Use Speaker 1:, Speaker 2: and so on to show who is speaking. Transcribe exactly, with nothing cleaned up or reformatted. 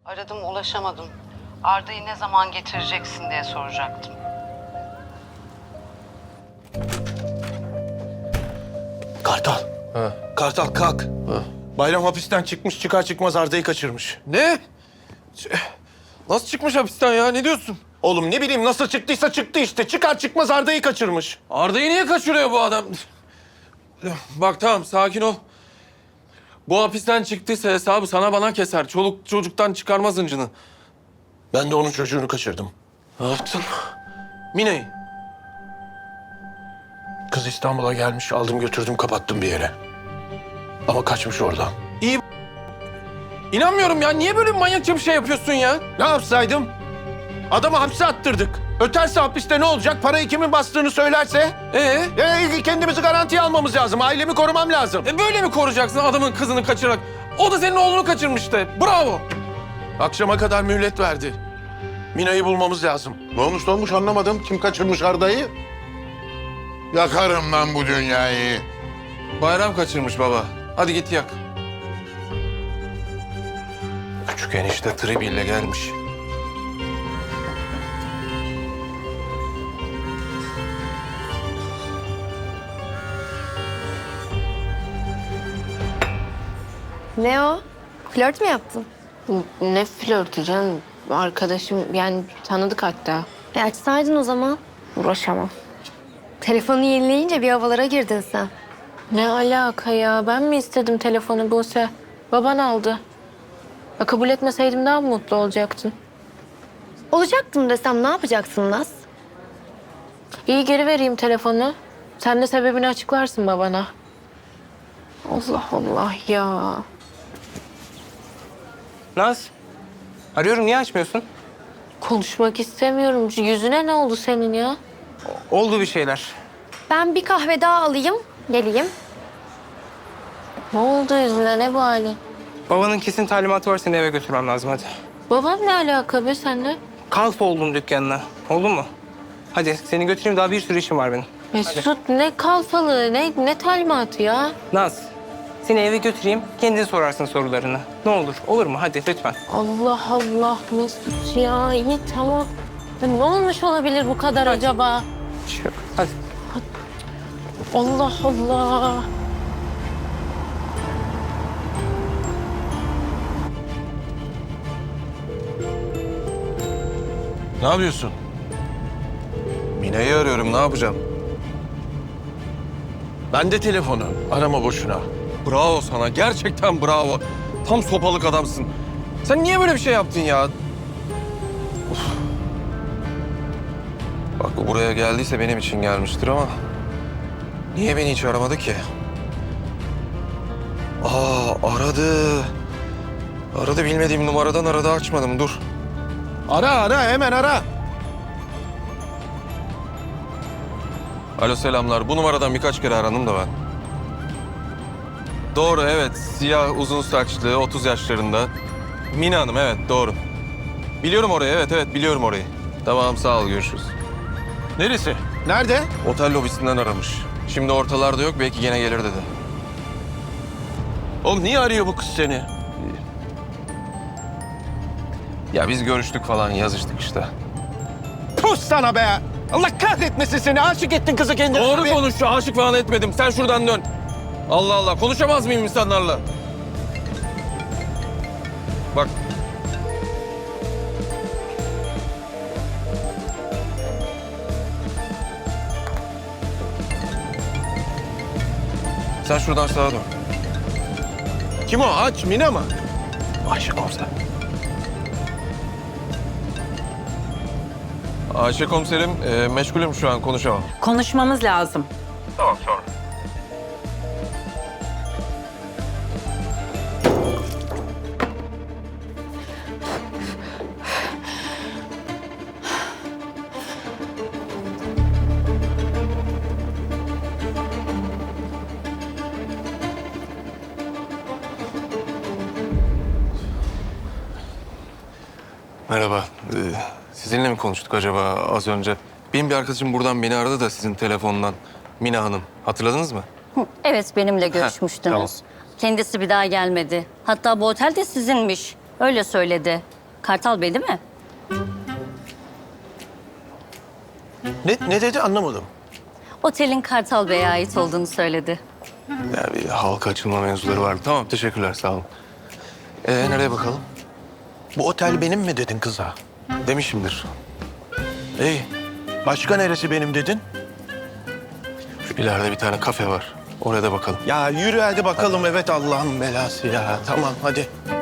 Speaker 1: Aradım ulaşamadım. Arda'yı ne zaman getireceksin diye soracaktım.
Speaker 2: Kartal.
Speaker 3: Ha.
Speaker 2: Kartal kalk.
Speaker 3: Ha.
Speaker 2: Bayram hapisten çıkmış, çıkar çıkmaz Arda'yı kaçırmış.
Speaker 3: Ne? Ç- Nasıl çıkmış hapisten ya? Ne diyorsun?
Speaker 2: Oğlum ne bileyim nasıl çıktıysa çıktı işte. Çıkar çıkmaz Arda'yı kaçırmış.
Speaker 3: Arda'yı niye kaçırıyor bu adam? Bak tamam, sakin ol. Bu hapisten çıktıysa hesabı sana bana keser. Çoluk çocuktan çıkarmaz hıncını.
Speaker 2: Ben de onun çocuğunu kaçırdım.
Speaker 3: Ne yaptın? Mine'yi.
Speaker 2: Kız İstanbul'a gelmiş, aldım götürdüm kapattım bir yere. Ama kaçmış oradan.
Speaker 3: İyi. İnanmıyorum ya. Niye böyle manyakça bir şey yapıyorsun ya?
Speaker 2: Ne yapsaydım? Adamı hapse attırdık. Öterse hapiste ne olacak? Parayı kimin bastığını söylerse?
Speaker 3: Ee?
Speaker 2: E, kendimizi garantiye almamız lazım. Ailemi korumam lazım.
Speaker 3: E böyle mi koruyacaksın adamın kızını kaçırarak? O da senin oğlunu kaçırmıştı. Bravo.
Speaker 2: Akşama kadar mühlet verdi. Mina'yı bulmamız lazım.
Speaker 4: Ne olmuş ne olmuş anlamadım. Kim kaçırmış Arda'yı? Yakarım lan bu dünyayı.
Speaker 3: Bayram kaçırmış baba. Hadi git yak.
Speaker 2: Küçük enişte tribiyle gelmiş.
Speaker 5: Ne o? Flört mü yaptın?
Speaker 6: Ne flörtü canım? Arkadaşım yani tanıdık hatta.
Speaker 5: E açsaydın o zaman.
Speaker 6: Uğraşamam.
Speaker 5: Telefonu yenileyince bir havalara girdin sen.
Speaker 6: Ne alaka ya? Ben mi istedim telefonu Buse? Baban aldı. Ya kabul etmeseydim daha mı mutlu olacaktın?
Speaker 5: Olacaktım desem ne yapacaksın Naz?
Speaker 6: İyi geri vereyim telefonu. Sen de sebebini açıklarsın babana. Allah Allah ya.
Speaker 7: Naz, arıyorum niye açmıyorsun?
Speaker 6: Konuşmak istemiyorum. Yüzüne ne oldu senin ya?
Speaker 7: Oldu bir şeyler.
Speaker 5: Ben bir kahve daha alayım, geleyim.
Speaker 6: Ne oldu yüzüne? Ne bu hali?
Speaker 7: Babanın kesin talimatı var, seni eve götürmem lazım hadi.
Speaker 6: Babam ne alaka be seninle?
Speaker 7: Kalf oldum dükkanına, oldu mu? Hadi seni götüreyim, daha bir sürü işim var benim.
Speaker 6: Mesut ne kalfalığı, ne, ne talimatı ya?
Speaker 7: Naz, seni eve götüreyim, kendin sorarsın sorularını. Ne olur, olur mu? Hadi lütfen.
Speaker 6: Allah Allah Mesut ya iyi tamam. Ya ne olmuş olabilir bu kadar acaba?
Speaker 7: Bir şey yok. Hadi.
Speaker 6: Allah Allah.
Speaker 2: Ne yapıyorsun?
Speaker 3: Mine'yi arıyorum. Ne yapacağım?
Speaker 2: Ben de telefonu. Arama boşuna.
Speaker 3: Bravo sana. Gerçekten bravo. Tam sopalık adamsın. Sen niye böyle bir şey yaptın ya? Of. Bak o buraya geldiyse benim için gelmiştir ama... niye beni hiç aramadı ki? Aa aradı. Aradı, bilmediğim numaradan aradı, açmadım. Dur.
Speaker 2: Ara ara hemen ara.
Speaker 3: Alo, selamlar. Bu numaradan birkaç kere arandım da ben. Doğru, evet. Siyah, uzun saçlı, otuz yaşlarında. Mine Hanım, evet doğru. Biliyorum orayı, evet evet biliyorum orayı. Tamam, sağ ol, görüşürüz.
Speaker 2: Neresi? Nerede?
Speaker 3: Otel lobisinden aramış. Şimdi ortalarda yok, belki gene gelir dedi.
Speaker 2: Oğlum niye arıyor bu kız seni?
Speaker 3: Ya biz görüştük falan, yazıştık işte.
Speaker 2: Pus sana be! Allah kahretmesin seni. Aşık ettin kızı kendine.
Speaker 3: Doğru
Speaker 2: Abi.
Speaker 3: konuş, aşık falan etmedim. Sen şuradan dön. Allah Allah, konuşamaz mıyım insanlarla? Bak. Sen şuradan sağa dön.
Speaker 2: Kim o? Aç Mina mı?
Speaker 3: Ayşe komiser. Ayşe komiserim, e, meşgulüm şu an, konuşamam.
Speaker 8: Konuşmamız lazım.
Speaker 3: Tamam, sonra. Merhaba. Ee, sizinle mi konuştuk acaba az önce? Benim bir arkadaşım buradan beni aradı da sizin telefondan. Mina Hanım. Hatırladınız mı?
Speaker 9: Evet, benimle görüşmüştünüz.
Speaker 3: tamam.
Speaker 9: Kendisi bir daha gelmedi. Hatta bu otel de sizinmiş. Öyle söyledi.
Speaker 8: Kartal Bey değil mi?
Speaker 2: Ne, ne dedi anlamadım.
Speaker 8: Otelin Kartal Bey'e ait olduğunu söyledi.
Speaker 3: Ya bir halka açılma mevzuları var. Tamam teşekkürler sağ olun. Ee nereye bakalım?
Speaker 2: Bu otel benim mi dedin kıza?
Speaker 3: Demişimdir.
Speaker 2: İyi. Başka neresi benim dedin?
Speaker 3: Şu ileride bir tane kafe var. Oraya da bakalım.
Speaker 2: Ya yürü hadi bakalım. Evet Allah'ın belası ya. Tamam hadi.